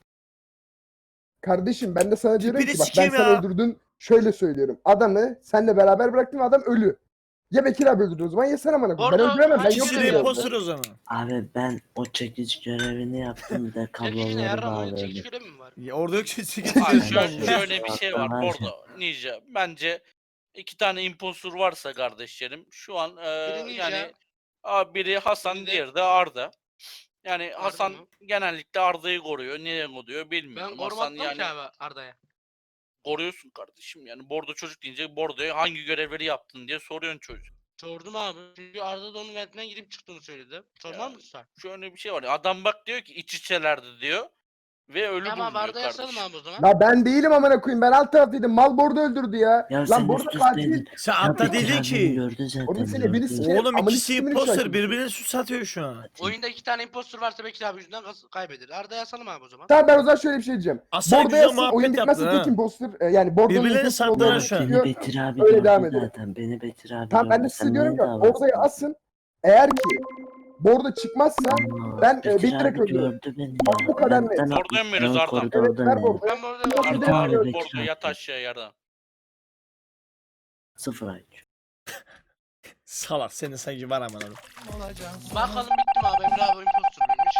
Speaker 2: Kardeşim ben de sana diyorum
Speaker 1: Tipini
Speaker 2: ki bak ben
Speaker 1: sikeyim
Speaker 2: sana
Speaker 1: ya.
Speaker 2: öldürdün. Şöyle söylüyorum. Adamı senle beraber bıraktım adam ölü. Ya Bekir abi öldürdü o zaman ya sen amına koyayım. Ben
Speaker 4: Orada
Speaker 2: öldüremem. Ben
Speaker 4: kaç
Speaker 2: yokum
Speaker 1: İkisi
Speaker 4: kişi
Speaker 1: de
Speaker 2: yanında.
Speaker 1: imposter o zaman.
Speaker 10: Abi ben o çekiç görevini yaptım bir de
Speaker 4: Tek kişine
Speaker 10: kabloları
Speaker 4: yarram oyunu çekiş
Speaker 10: bağladım.
Speaker 4: görevi mi var?
Speaker 1: Ya orada yok ki sekiz
Speaker 8: Abi
Speaker 1: kişi.
Speaker 8: şöyle bir şey var
Speaker 10: Tamam.
Speaker 8: orada Ninja. Bence 2 tane impostor varsa kardeşlerim şu an
Speaker 4: Biri Ninja.
Speaker 8: yani biri Hasan
Speaker 4: Biri de-
Speaker 8: diğeri de Arda. Yani Hasan
Speaker 4: mı?
Speaker 8: genellikle Arda'yı koruyor. Niye koruyor
Speaker 4: Ben
Speaker 8: bilmiyorum. Hasan
Speaker 4: korumadım
Speaker 8: yani
Speaker 4: ki abi Arda'ya.
Speaker 8: koruyorsun kardeşim. Yani Bordo çocuk deyince Bordo'ya hangi görevleri yaptın diye soruyorsun çocuk.
Speaker 4: Sordum abi. Çünkü Arda da onun ventinden girip çıktığını söyledi. Sormaz mısın sen?
Speaker 8: Şöyle bir şey var. Adam bak diyor ki iç içelerdi diyor. Ve ölü
Speaker 4: Tamam
Speaker 8: bulunuyor
Speaker 4: Arda'ya yasalım
Speaker 8: kardeşim.
Speaker 4: abi o zaman.
Speaker 2: La ben değilim amına koyayım. Ben alt taraftaydım. Mal Bordo öldürdü ya.
Speaker 10: Ya
Speaker 2: Lan
Speaker 10: sen
Speaker 2: Bordo
Speaker 10: üst
Speaker 2: katil.
Speaker 10: üsteydin.
Speaker 1: Sen
Speaker 10: Ya
Speaker 1: Arda
Speaker 10: Bekir
Speaker 1: dedi
Speaker 10: abi beni
Speaker 1: ki.
Speaker 10: gördü zaten.
Speaker 2: Orada seni biri
Speaker 10: gördü.
Speaker 2: sikerim.
Speaker 1: Oğlum
Speaker 2: Amına
Speaker 1: ikisi
Speaker 2: siktimini
Speaker 1: imposter
Speaker 2: şarkı.
Speaker 1: birbirine sus atıyor şu an.
Speaker 4: Oyunda 2 tane impostor varsa Bekir abi yüzünden kaybeder. Arda'ya yasalım abi o zaman.
Speaker 2: Tamam ben o zaman şöyle bir şey diyeceğim.
Speaker 1: Aslında
Speaker 2: Bordo
Speaker 1: güzel
Speaker 2: yazsın oyun
Speaker 1: muhabbet
Speaker 2: bitmezse
Speaker 1: yaptın
Speaker 2: tek
Speaker 1: ha.
Speaker 2: imposter. Yani Bordo'nun
Speaker 1: Birbirlerini
Speaker 2: imposter
Speaker 1: sattılar
Speaker 2: olduğunu
Speaker 1: şu an.
Speaker 10: Beni
Speaker 2: çıkıyor.
Speaker 10: Bekir abi
Speaker 2: Öyle
Speaker 10: gördü
Speaker 2: devam edelim.
Speaker 10: zaten. Beni Bekir abi
Speaker 2: Tamam ben de
Speaker 10: gördü.
Speaker 2: size
Speaker 10: Sen
Speaker 2: diyorum
Speaker 10: niye
Speaker 2: ki
Speaker 10: dava
Speaker 2: ortaya
Speaker 10: açtın?
Speaker 2: asın. Eğer ki Bordo çıkmazsa
Speaker 10: Allah,
Speaker 2: ben,
Speaker 10: Bekir
Speaker 2: bilerek
Speaker 10: abi
Speaker 2: öldürüyorum.
Speaker 10: gördü beni
Speaker 2: Bak
Speaker 10: ya.
Speaker 2: bu kadar net.
Speaker 10: Ben
Speaker 8: Bordo'ya mı veriyoruz Arda?
Speaker 2: Evet
Speaker 10: koridordan
Speaker 2: ver
Speaker 10: ya.
Speaker 2: Bordo.
Speaker 4: Ben bu arada
Speaker 2: Yok,
Speaker 4: Arda
Speaker 2: bir
Speaker 8: Arda
Speaker 2: de-
Speaker 10: Bekir
Speaker 8: Bordo
Speaker 10: abi.
Speaker 8: yat aşağıya yarda.
Speaker 10: 0 IQ.
Speaker 1: Salak senin sanki var aman oğlum.
Speaker 4: Bakalım bitti mi abi? Emre abi impostor muymuş?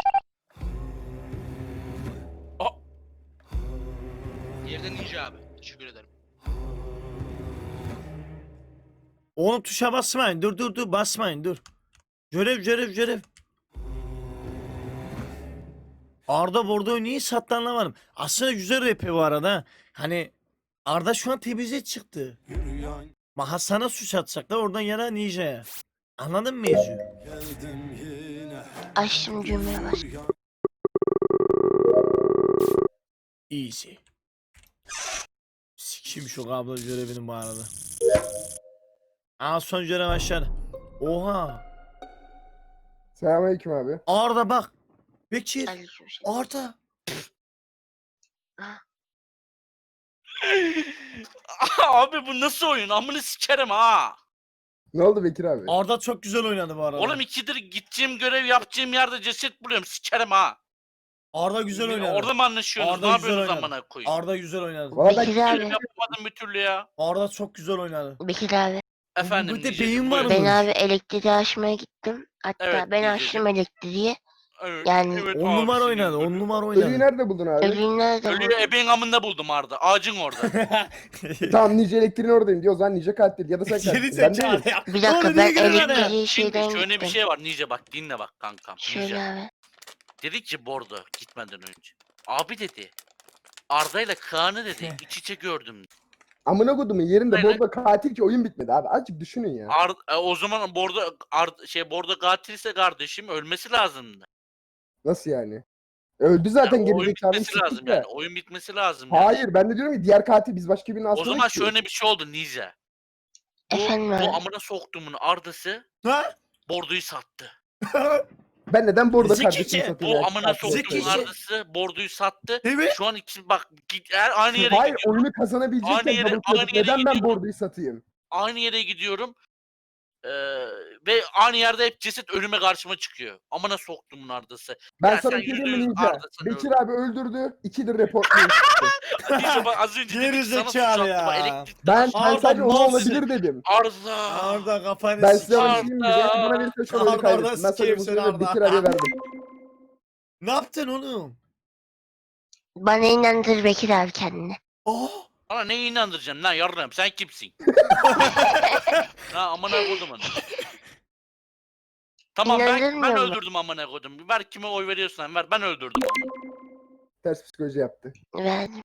Speaker 4: Yerden ninja abi. Teşekkür ederim.
Speaker 1: Oğlum tuşa basmayın. Dur basmayın dur. Görev. Arda Bordo'yu niye sattı anlamadım. Aslında güzel rap bu arada. Ha. Hani Arda şu an temize çıktı. Ma Hasan'a suç atacaklar oradan yana Ninja'ya. Anladın mı Ecu?
Speaker 9: Açtım cümleye bas.
Speaker 1: Easy. Sikeyim şu kablo görevinin bu arada. Aa son görev aşağı. Oha.
Speaker 2: Selamünaleyküm abi.
Speaker 1: Arda bak. Bekir.
Speaker 9: Aleykümselam.
Speaker 1: Arda.
Speaker 8: Abi bu nasıl oyun? Amını sikerim ha.
Speaker 2: Ne oldu Bekir abi?
Speaker 1: Arda çok güzel oynadı bu arada.
Speaker 8: Oğlum 2'dir gideceğim görev yapacağım yerde ceset buluyorum. Sikerim ha.
Speaker 1: Arda güzel oynadı.
Speaker 8: Orada mı anlaşıyorsunuz?
Speaker 1: Arda
Speaker 8: Ne
Speaker 1: güzel
Speaker 8: yapıyorsunuz
Speaker 1: oynadı.
Speaker 8: amına koyayım?
Speaker 1: Arda güzel oynadı.
Speaker 2: Valla ben
Speaker 9: Bekir
Speaker 8: Görev
Speaker 9: abi.
Speaker 8: yapamadım bir türlü ya.
Speaker 1: Arda çok güzel oynadı.
Speaker 9: Bekir abi.
Speaker 8: Efendim.
Speaker 1: Bir de
Speaker 8: diyecektim,
Speaker 1: beyin var
Speaker 8: buyurun.
Speaker 1: mı?
Speaker 9: Ben abi elektriği açmaya gittim. Hatta
Speaker 8: Evet,
Speaker 9: ben
Speaker 8: diyeceğim.
Speaker 9: açtım elektriği.
Speaker 8: Evet,
Speaker 9: Yani-
Speaker 8: evet
Speaker 1: 10
Speaker 8: abi,
Speaker 1: numara
Speaker 8: senin
Speaker 1: oynadı. 10
Speaker 8: ölü-
Speaker 1: numara
Speaker 2: ölüyü
Speaker 1: oynadı.
Speaker 2: nerede buldun abi?
Speaker 9: Ölüyü nerede
Speaker 8: Ölüyü
Speaker 9: buldun?
Speaker 8: ebeğin amında buldum Arda. Ağacın orada.
Speaker 2: Tamam Nice elektriğin oradayım diyor. O zaman Nice katil ya da sen
Speaker 1: Geri
Speaker 2: katilsin. Ben
Speaker 1: zekalı
Speaker 2: değilim.
Speaker 1: ya.
Speaker 9: Bir dakika
Speaker 1: Oğlum
Speaker 9: ben
Speaker 1: niye girdin araya?
Speaker 9: elektriği
Speaker 8: Şimdi
Speaker 9: şeyden
Speaker 8: şöyle bir
Speaker 9: gittim.
Speaker 8: şey var Nice bak dinle bak kankam.
Speaker 9: Şöyle
Speaker 8: Nice.
Speaker 9: abi.
Speaker 8: Dedi ki Bordo gitmeden önce. Abi dedi. Arda ile Kaan'ı dedi iç içe gördüm.
Speaker 2: Amına kodumun yerinde
Speaker 8: Aynen.
Speaker 2: bu arada katil ki oyun bitmedi abi. Azıcık düşünün ya.
Speaker 8: O zaman Bordo katilse kardeşim ölmesi lazımdı.
Speaker 2: Nasıl yani? Öldü zaten
Speaker 8: Yani oyun
Speaker 2: gerizekalı.
Speaker 8: bitmesi lazım
Speaker 2: siktir de.
Speaker 8: yani. Oyun bitmesi lazım. yani.
Speaker 2: Hayır ben de diyorum ki diğer katil biz başka birinin
Speaker 8: O
Speaker 2: aslında
Speaker 8: zaman şöyle bir şey oldu Nice.
Speaker 9: Efendim abi.
Speaker 8: Bu amına soktuğumun Arda'sı
Speaker 1: Ha?
Speaker 8: Bordo'yu sattı.
Speaker 2: Ben neden bu arada
Speaker 1: Zekice.
Speaker 2: kardeşimi satayım?
Speaker 8: Bu
Speaker 2: ya?
Speaker 8: amına
Speaker 2: Katil
Speaker 8: soktuğumun
Speaker 1: Zekice.
Speaker 2: satayım.
Speaker 8: Arda'sı Bordo'yu sattı.
Speaker 1: Evet.
Speaker 8: Şu an ikisi bak aynı yere
Speaker 2: Hayır
Speaker 8: gidiyorum.
Speaker 2: oyunu kazanabilecekken
Speaker 8: Aynı yere-
Speaker 2: double
Speaker 8: aynı
Speaker 2: click.
Speaker 8: yere
Speaker 2: Neden ben
Speaker 8: gidiyorum.
Speaker 2: bordoyu satayım?
Speaker 8: Aynı yere gidiyorum. Ve aynı yerde hep ceset önüme karşıma çıkıyor. Amına soktumun Arda'sı.
Speaker 2: Ben
Speaker 8: Ya
Speaker 2: sana
Speaker 8: sen
Speaker 2: bir şey diyeyim mi
Speaker 8: yüzde yüz
Speaker 2: Ninja?
Speaker 8: Arda sen
Speaker 2: Bekir
Speaker 8: öldün.
Speaker 2: abi öldürdü. 2'dir reportlayın.
Speaker 8: Nice bak az önce dedik ki sana suç
Speaker 1: Gerizekalı
Speaker 8: attı. Bak,
Speaker 1: ya.
Speaker 8: elektrikten
Speaker 2: Ben
Speaker 8: aşağı-
Speaker 1: Arda
Speaker 2: sadece o
Speaker 1: malsın.
Speaker 2: olabilir dedim.
Speaker 8: Arda.
Speaker 1: Arda kafanı
Speaker 2: Ben size
Speaker 1: sikeyim.
Speaker 2: bir şey diyeyim mi? Beni bana verirse şu an oyunu
Speaker 1: Arda, Arda
Speaker 2: kaybettim. Ben sadece
Speaker 1: sikeyim
Speaker 2: bu
Speaker 1: seni
Speaker 2: sırada
Speaker 1: Arda.
Speaker 2: Bekir abiye verdim.
Speaker 1: Ne yaptın oğlum?
Speaker 9: Bana inandır Bekir abi kendini.
Speaker 1: Oh.
Speaker 8: Bana ne inandıracaksın lan yarrağım sen kimsin? Ha amına kodum onu. Tamam ben
Speaker 9: İnandırmıyor mu?
Speaker 8: öldürdüm amına kodum. Ver kime oy veriyorsan ver ben öldürdüm onu.
Speaker 2: Ters psikoloji yaptı.
Speaker 9: Verdim.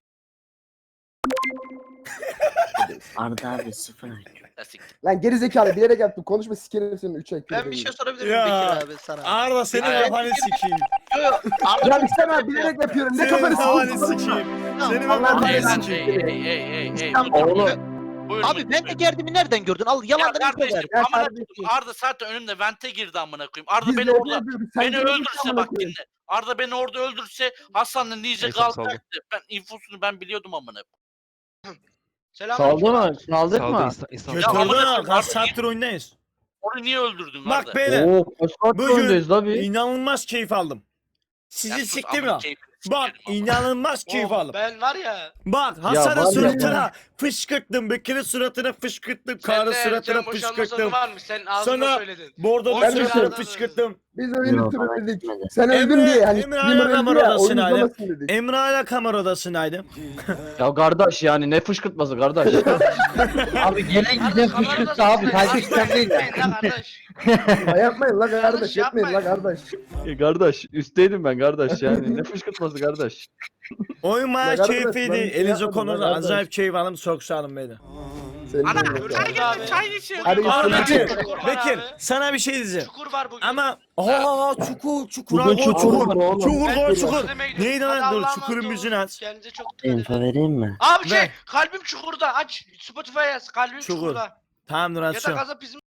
Speaker 10: Arda abi 0 IQ.
Speaker 8: Ya siktir.
Speaker 2: Lan geri zekalı bilerek yaptım. Konuşma sikerim senin 3 IQ'yu.
Speaker 6: Ben bir şey sorabilir miyim
Speaker 1: Ya.
Speaker 6: Bekir abi sana?
Speaker 1: Arda senin
Speaker 8: Ya,
Speaker 1: kafanı sikeyim.
Speaker 2: Ya İhsan abi bilerek yapıyorum. Ne
Speaker 1: Senin
Speaker 2: kafanı
Speaker 1: kafanı
Speaker 2: sikeyim?
Speaker 1: sikeyim. Senin
Speaker 2: Allah
Speaker 1: kafanı
Speaker 8: Hey lan
Speaker 1: sikeyim.
Speaker 8: hey.
Speaker 5: Oğlum.
Speaker 8: Buyurun,
Speaker 6: Abi ben de
Speaker 8: buyurun.
Speaker 6: geldiğimi nereden gördün? Al
Speaker 8: Ya
Speaker 6: yalandan info ver.
Speaker 8: kardeşim
Speaker 2: Ya
Speaker 8: amına
Speaker 2: kardeşim.
Speaker 8: kodum Arda zaten önümde vente girdi amına koyayım. Arda
Speaker 2: Biz
Speaker 8: beni
Speaker 2: de
Speaker 8: orada
Speaker 2: yapıyoruz. Sen
Speaker 8: beni
Speaker 2: görüyorsun
Speaker 8: öldürse
Speaker 2: amına
Speaker 8: bak
Speaker 2: koyayım.
Speaker 8: dinle. Arda beni orada öldürse Hasan'la Nice
Speaker 3: Neyse, saldım.
Speaker 8: kalacaktı. Ben infosunu ben biliyordum amına koyayım.
Speaker 4: Selamünaleyküm.
Speaker 5: Saldı mı? Saldık mı?
Speaker 8: Ya amına
Speaker 1: Götürdün ha.
Speaker 8: koyayım,
Speaker 1: Kaç
Speaker 8: Arda
Speaker 1: saattir oyundayız.
Speaker 8: Onu niye öldürdün Arda?
Speaker 1: Bak beyler.
Speaker 5: Oo kaç saat
Speaker 1: Bugün
Speaker 5: oyundayız la bir.
Speaker 1: inanılmaz keyif aldım.
Speaker 8: Ya
Speaker 1: Sizi
Speaker 8: sus,
Speaker 1: siktim
Speaker 8: amına
Speaker 1: ya.
Speaker 8: keyfini
Speaker 1: Bak
Speaker 8: sikerim amına.
Speaker 1: inanılmaz keyif
Speaker 4: Oh,
Speaker 1: aldım.
Speaker 4: ben var ya.
Speaker 1: Bak
Speaker 5: var
Speaker 1: Hasan'ın
Speaker 5: ya
Speaker 1: suratına fışkırttım. Bekir'in suratına fışkırttım. Kaan'ın suratına fışkırttım.
Speaker 4: var mı? Sen ağzına
Speaker 1: Sana
Speaker 4: söyledin.
Speaker 1: Bordo'nun
Speaker 2: Ben de
Speaker 1: suratına
Speaker 2: söyledim.
Speaker 1: fışkırttım.
Speaker 2: Biz oyunu
Speaker 10: Yok,
Speaker 2: sürükledik.
Speaker 10: bana gitmedi.
Speaker 2: Sen öldün diye. Hani
Speaker 1: Emre
Speaker 2: streamer
Speaker 1: hala
Speaker 2: öldü ya.
Speaker 1: kameradasın
Speaker 2: Oyun
Speaker 1: hala.
Speaker 2: uzamasın dedik.
Speaker 1: Emre hala kamera odasındaydım.
Speaker 5: Ya kardeş yani ne fışkırtması kardeş. Abi gelen giden fışkırttı abi. Takipten değil ya.
Speaker 4: Kardeş.
Speaker 2: Ya yapmayın la kardeş.
Speaker 4: Yapmayın.
Speaker 2: Yapmayın la kardeş.
Speaker 5: Kardeş üstteydim ben kardeş yani. Ne fışkırtması kardeş.
Speaker 1: Oyun bayağı
Speaker 2: Bak arkadaş,
Speaker 1: keyifliydi.
Speaker 2: ben bir şey
Speaker 1: Elinize
Speaker 2: yapmadım
Speaker 1: konuda
Speaker 2: lan arkadaş.
Speaker 1: acayip keyif aldım. Çok sağ olun beyler.
Speaker 2: Senin de
Speaker 8: Ana
Speaker 2: öyle.
Speaker 8: çay geldi çay içiyor.
Speaker 2: Hadi
Speaker 1: Aa,
Speaker 2: Tamam.
Speaker 1: Bekir,
Speaker 4: Çukur var
Speaker 1: Bekir
Speaker 4: abi.
Speaker 1: sana bir şey diyeceğim.
Speaker 4: Çukur var bugün.
Speaker 1: Ama çukur
Speaker 5: Bugün
Speaker 1: abi,
Speaker 5: çukur var oğlum.
Speaker 1: Çukur
Speaker 4: Ben
Speaker 1: koy
Speaker 4: çukur
Speaker 1: çukur.
Speaker 4: izlemeye gidiyorum.
Speaker 1: Neydi
Speaker 4: Hadi
Speaker 1: lan dur
Speaker 4: Allah'a
Speaker 1: çukurun
Speaker 4: emanet olun.
Speaker 1: müziğini aç.
Speaker 4: Kendinize çok dikkat edin.
Speaker 10: Info vereyim mi?
Speaker 4: Abi
Speaker 1: Ver.
Speaker 4: kalbim çukurda aç. Spotify yaz. Kalbim
Speaker 1: Çukur.
Speaker 4: çukurda.
Speaker 1: Tamam dur
Speaker 4: Ya da
Speaker 1: açıyorum.
Speaker 4: gazap bizim